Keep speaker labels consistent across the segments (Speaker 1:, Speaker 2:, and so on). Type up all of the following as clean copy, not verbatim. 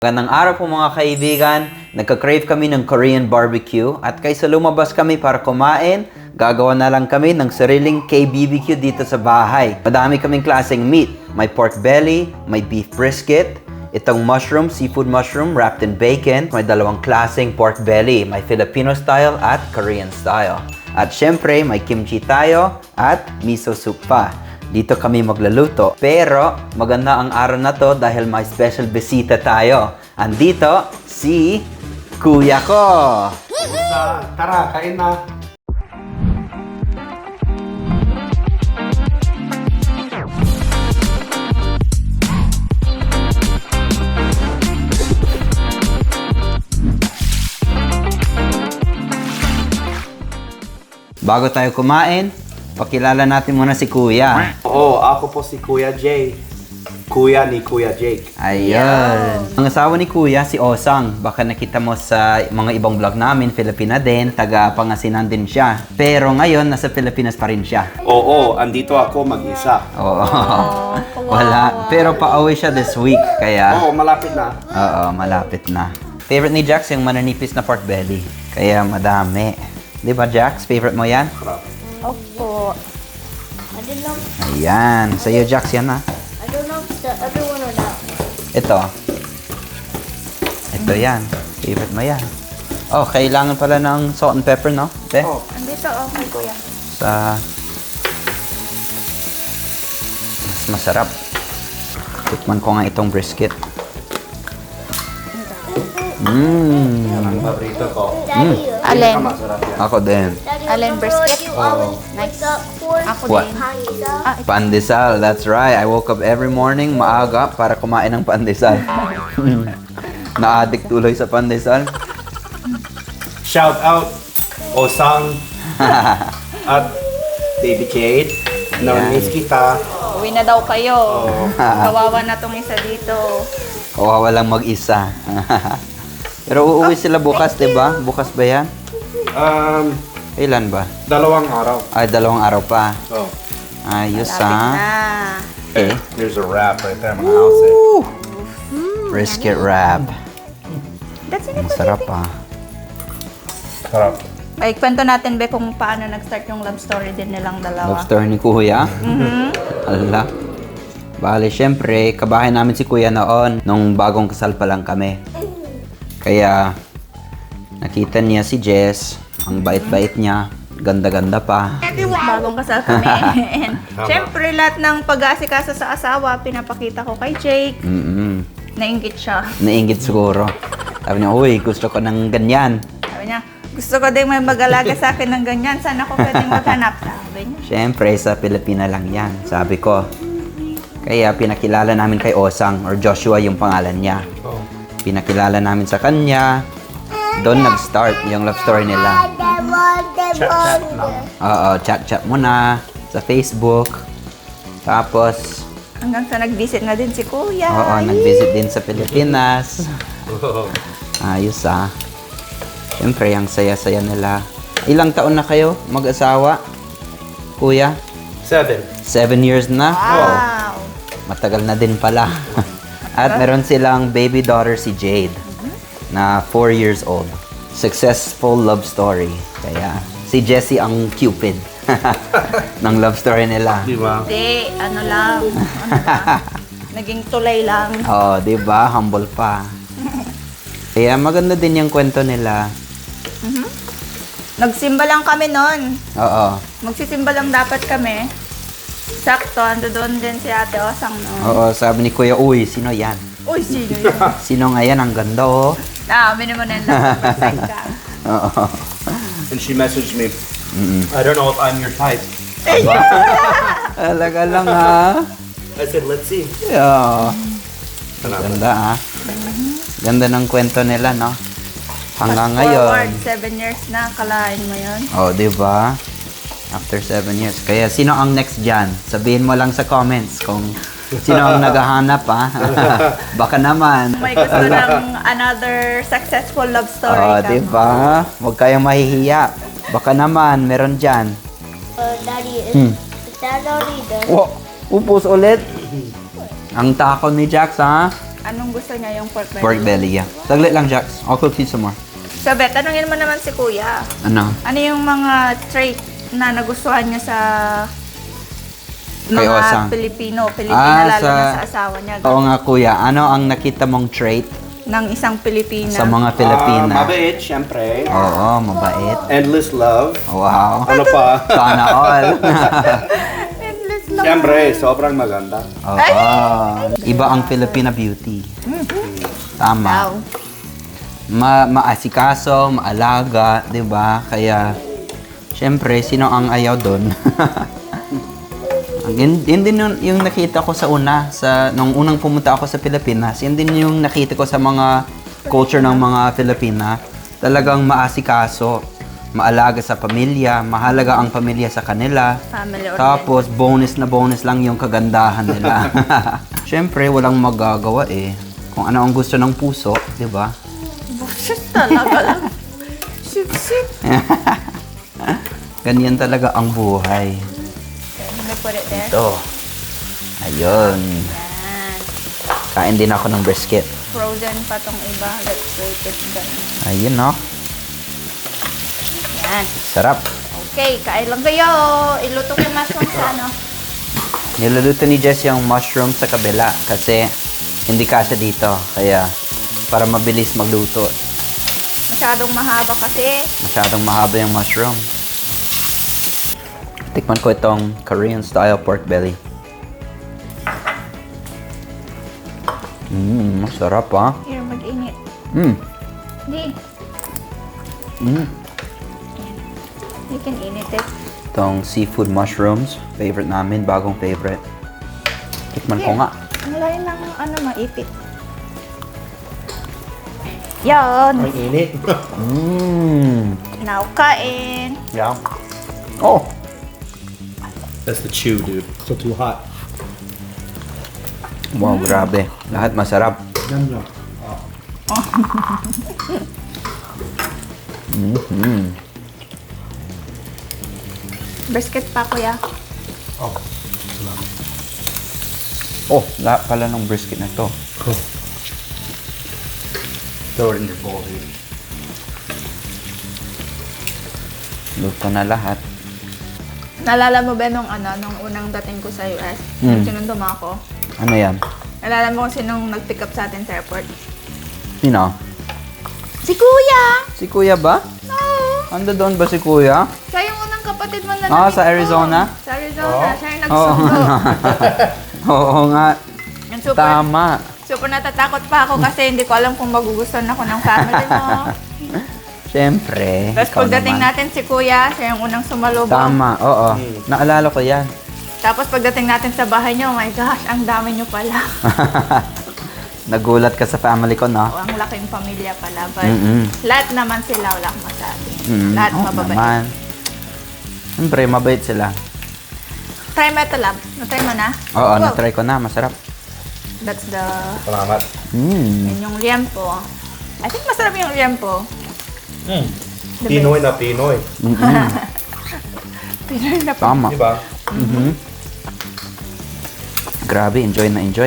Speaker 1: Magandang araw po mga kaibigan. Nagka-crave kami ng Korean barbecue at kaysa lumabas kami para kumain, gagawa na lang kami ng sariling K-BBQ dito sa bahay. Madami kaming klaseng meat. May pork belly, may beef brisket, itong mushroom, seafood mushroom wrapped in bacon. May dalawang klaseng pork belly, may Filipino style at Korean style. At syempre, may kimchi tayo at miso soup pa. Dito kami magluluto. Pero maganda ang araw na to dahil may special bisita tayo. Andito si Kuya ko.
Speaker 2: Tara, kain na.
Speaker 1: Bago tayo kumain, pakilala natin muna si Kuya.
Speaker 2: Oo, ako po si Kuya Jay. Kuya ni Kuya Jake.
Speaker 1: Ayun. Ang asawa ni Kuya, si Osang. Baka nakita mo sa mga ibang vlog namin, Filipina din, taga Pangasinan din siya. Pero ngayon, nasa Pilipinas pa rin siya.
Speaker 2: Oo, andito ako mag-isa.
Speaker 1: Oo. Wala. Pero pauwi siya this week, kaya...
Speaker 2: Oo, malapit na.
Speaker 1: Oo, malapit na. Favorite ni Jax yung mananipis na pork belly. Kaya madami. Di ba, Jax? Favorite mo yan?
Speaker 3: Opo. I don't know.
Speaker 1: Ayan. Sa'yo, Jax, yan ha.
Speaker 3: I don't know if the other one or that one.
Speaker 1: Ito. Ito yan. Favorite mo yan. Oh, kailangan pala ng salt and pepper, no? Te?
Speaker 2: Oh.
Speaker 3: Andito, okay, kuya.
Speaker 1: Sa... Mas masarap. Tikman ko nga itong brisket. Mmm.
Speaker 2: Ang paborito ko.
Speaker 3: Daddy,
Speaker 4: Alin?
Speaker 2: Masarap yan.
Speaker 1: Ako din.
Speaker 3: Daddy,
Speaker 4: Alin,
Speaker 3: remember
Speaker 4: brisket?
Speaker 3: when you always
Speaker 4: Nice.
Speaker 3: wake up for
Speaker 4: Ako
Speaker 1: What?
Speaker 4: din.
Speaker 3: pizza?
Speaker 4: Ah,
Speaker 1: Pandesal, that's right. I woke up every morning maaga para kumain ng pandesal. Na-addict tuloy sa pandesal.
Speaker 2: Shout out, Osang at Baby Jade. Namiss kita.
Speaker 4: Uwi na daw kayo.
Speaker 2: Oo.
Speaker 4: Kawawa na tong isa dito.
Speaker 1: Kawawa lang mag-isa. Pero uuwi sila bukas, di ba? Bukas ba yan? Kailan ba?
Speaker 2: 2 araw.
Speaker 1: Ay, 2 araw pa.
Speaker 2: Oh.
Speaker 1: Ayos
Speaker 4: Lapit
Speaker 1: ha.
Speaker 4: na.
Speaker 1: Okay.
Speaker 2: There's a wrap right there. I'm gonna house it.
Speaker 1: Brisket wrap.
Speaker 4: That's it.
Speaker 1: Ang sarap ha.
Speaker 2: Sarap.
Speaker 4: Ay, kwento natin, Be, kung paano nag-start yung love story din nilang dalawa.
Speaker 1: Love story ni Kuya. Ala. Bale, syempre, kabahay namin si Kuya noon, nung bagong kasal pa lang kami. Kaya, nakita niya si Jess, ang bait-bait niya, ganda-ganda pa.
Speaker 4: Bagong kasal kami. And, syempre, lahat ng pag-aasikaso sa asawa, pinapakita ko kay Jake. Nainggit siya.
Speaker 1: Nainggit siguro. Sabi niya, uy, gusto ko ng ganyan.
Speaker 4: Sabi niya, gusto ko din may mag-alaga sa akin ng ganyan. Saan ako pwedeng maghanap? Sabi niya.
Speaker 1: Syempre, sa Pilipina lang yan, sabi ko. Kaya pinakilala namin kay Osang, or Joshua yung pangalan niya.
Speaker 2: Oh.
Speaker 1: Pinakilala namin sa kanya. Doon nag-start yung love story nila.
Speaker 2: Chat lang.
Speaker 1: Oo, chat-chat muna sa Facebook. Tapos,
Speaker 4: Hanggang sa nag-visit na din si Kuya.
Speaker 1: oo, nag-visit din sa Pilipinas. Ayos ah. Siyempre, ang saya-saya nila. Ilang taon na kayo mag-asawa? Kuya?
Speaker 2: 7.
Speaker 1: 7 years na?
Speaker 4: Wow!
Speaker 1: Matagal na din pala. At meron silang baby daughter si Jade na 4 years old. Successful love story. Kaya si Jessie ang Cupid ng love story nila.
Speaker 2: Di ba?
Speaker 4: Hindi, ano lang. Naging tulay lang.
Speaker 1: Oh, 'di ba? Humble pa. Kaya maganda din yung kwento nila.
Speaker 4: Nagsimba lang kami noon.
Speaker 1: Oo.
Speaker 4: Magsisimba lang dapat kami. Sakto, ando doon din si Ate Osang noon.
Speaker 1: Oo, sabi ni Kuya, uy, sino yan?
Speaker 4: Uy, sino yun?
Speaker 1: Sino nga yan? Ang ganda, oh.
Speaker 4: Mini mo na yung nasa ka.
Speaker 1: Oo.
Speaker 2: And she messaged me, I don't know if I'm your type.
Speaker 1: Talaga lang, ha?
Speaker 2: I said, let's see.
Speaker 1: Yeah. Ganda, ha? Ganda ng kwento nila, no? Hanggang ngayon.
Speaker 4: Forward, 7 years na, kalahin mo yun.
Speaker 1: Oh, di ba? After 7 years. Kaya sino ang next dyan? Sabihin mo lang sa comments kung sino ang naghahanap, ha? Baka naman.
Speaker 4: May gusto ng another successful love story
Speaker 1: Oh,
Speaker 4: ka.
Speaker 1: di ba? Huwag kayong mahihiya. Baka naman, meron dyan.
Speaker 3: Daddy, is that already done?
Speaker 1: Oh, upos ulit. Ang tako ni Jax, ha?
Speaker 4: Anong gusto niya, yung pork belly?
Speaker 1: Pork belly, yeah. Saglit lang, Jax. I'll cook you some more.
Speaker 4: So, Bet, tanungin mo naman si Kuya.
Speaker 1: Ano?
Speaker 4: Ano yung mga trait na nagustuhan niya sa
Speaker 1: Kay Osang?
Speaker 4: mga Pilipina lalo na sa asawa niya.
Speaker 1: Oo nga, kuya. Ano ang nakita mong trait
Speaker 4: Ng isang Pilipina.
Speaker 1: sa mga Pilipina?
Speaker 2: Mabait, syempre.
Speaker 1: Oo, mabait.
Speaker 2: Endless love.
Speaker 1: Wow.
Speaker 2: Ano pa?
Speaker 1: Sana all.
Speaker 4: Endless love.
Speaker 2: Syempre, sobrang maganda.
Speaker 1: Oo. Iba ang Filipina beauty. Tama.
Speaker 4: Wow.
Speaker 1: Maasikaso, maalaga, 'di ba? Kaya syempre, sino ang ayaw doon? Yun din yung nakita ko sa nung unang pumunta ako sa Pilipinas, yun din yung nakita ko sa mga culture ng mga Filipina. Talagang maasikaso, maalaga sa pamilya, mahalaga ang pamilya sa kanila.
Speaker 4: Family oriented.
Speaker 1: Tapos, bonus na bonus lang yung kagandahan nila. Syempre, walang magagawa eh. Kung ano ang gusto ng puso, di ba?
Speaker 4: Bullshit talaga lang. Shit.
Speaker 1: Ganyan talaga ang buhay.
Speaker 4: Let me put it there.
Speaker 1: Ito. Ayun.
Speaker 4: Yan.
Speaker 1: Kain din ako ng brisket.
Speaker 4: Frozen pa tong iba. Let's wait it done.
Speaker 1: Ayun, no?
Speaker 4: Yan.
Speaker 1: Sarap.
Speaker 4: Okay, kain lang kayo. Iluto ko yung mushroom sa ano.
Speaker 1: Niluluto ni Jess yung mushroom sa kabila kasi hindi kasya dito. Kaya para mabilis magluto.
Speaker 4: Masyadong mahaba kasi.
Speaker 1: Masyadong mahaba yung mushroom. Tikman ko itong Korean style pork belly. Masarap ah.
Speaker 4: Here, mag-init. Hindi. You can init it.
Speaker 1: Itong seafood mushrooms. Favorite namin. Bagong favorite. Tikman ko nga.
Speaker 4: Ang layo ng maipit. Yan.
Speaker 2: Ang init.
Speaker 4: Now, kain.
Speaker 1: Yeah. Oh!
Speaker 2: That's the chew, dude. So too hot.
Speaker 1: Wow, grabe. Lahat masarap.
Speaker 2: Yum, yum.
Speaker 4: Brisket pa, kuya.
Speaker 2: Oh.
Speaker 1: Oh, lahat pala ng brisket na to.
Speaker 2: Throw it in your bowl, dude.
Speaker 1: Luto na lahat.
Speaker 4: Naalala mo ba nung unang dating ko sa US? Sinundo mo ako.
Speaker 1: Ano yan?
Speaker 4: Naalala mo kung sinong nag-pick up sa atin sa airport?
Speaker 1: Sino?
Speaker 4: Si Kuya!
Speaker 1: Si Kuya ba?
Speaker 4: Oo!
Speaker 1: Ando doon ba si Kuya?
Speaker 4: Siya yung unang kapatid mo na
Speaker 1: Sa Arizona?
Speaker 4: Sa Arizona. Siya yung
Speaker 1: Oo.
Speaker 4: nagsundo.
Speaker 1: Oo nga.
Speaker 4: Yung super,
Speaker 1: Tama.
Speaker 4: super natatakot pa ako kasi hindi ko alam kung magugustuhan ako ng family mo.
Speaker 1: Siyempre.
Speaker 4: Tapos
Speaker 1: ikaw
Speaker 4: pagdating
Speaker 1: naman.
Speaker 4: natin si Kuya, siya yung unang sumalubong.
Speaker 1: Tama, oo. Naalala ko yan.
Speaker 4: Tapos pagdating natin sa bahay niyo, oh my gosh, ang dami niyo pala.
Speaker 1: Nagulat ka sa family ko, no?
Speaker 4: O, ang laking pamilya pala. But lahat naman sila, wala akong masabi. Lahat
Speaker 1: Oo
Speaker 4: mababait.
Speaker 1: naman. Siyempre, mabait sila.
Speaker 4: Try mo ito, love. Na-try mo na?
Speaker 1: Oo,
Speaker 4: Wow.
Speaker 1: na-try ko na. Masarap.
Speaker 4: That's the...
Speaker 2: Salamat.
Speaker 4: Yun yung liempo. I think masarap yung liempo. The
Speaker 2: Pinoy na Pinoy.
Speaker 4: Pinoy na pa.
Speaker 1: Tama.
Speaker 2: Diba?
Speaker 1: Grabe, enjoy na enjoy.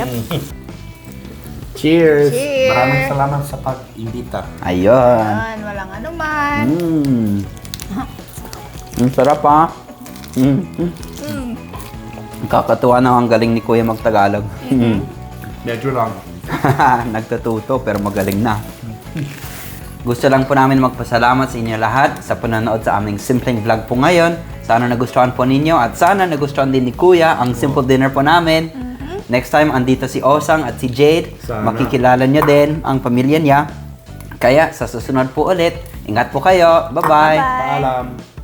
Speaker 2: Cheers!
Speaker 4: Cheers!
Speaker 2: Maraming salamat sa pag-imbita.
Speaker 1: Ayun.
Speaker 4: Yan, walang anuman.
Speaker 1: Ang sarap ha. Kakatuwa na ang galing ni Kuya magtagalog.
Speaker 2: Medyo lang.
Speaker 1: Nagtatuto pero magaling na. Gusto lang po namin magpasalamat sa inyo lahat sa panonood sa aming simpleng vlog po ngayon. Sana nagustuhan po ninyo at sana nagustuhan din ni Kuya ang simple dinner po namin. Next time, andito si Osang at si Jade.
Speaker 2: Sana.
Speaker 1: Makikilala nyo din ang pamilya niya. Kaya sa susunod po ulit, ingat po kayo. Bye-bye.
Speaker 4: Bye.
Speaker 2: Paalam.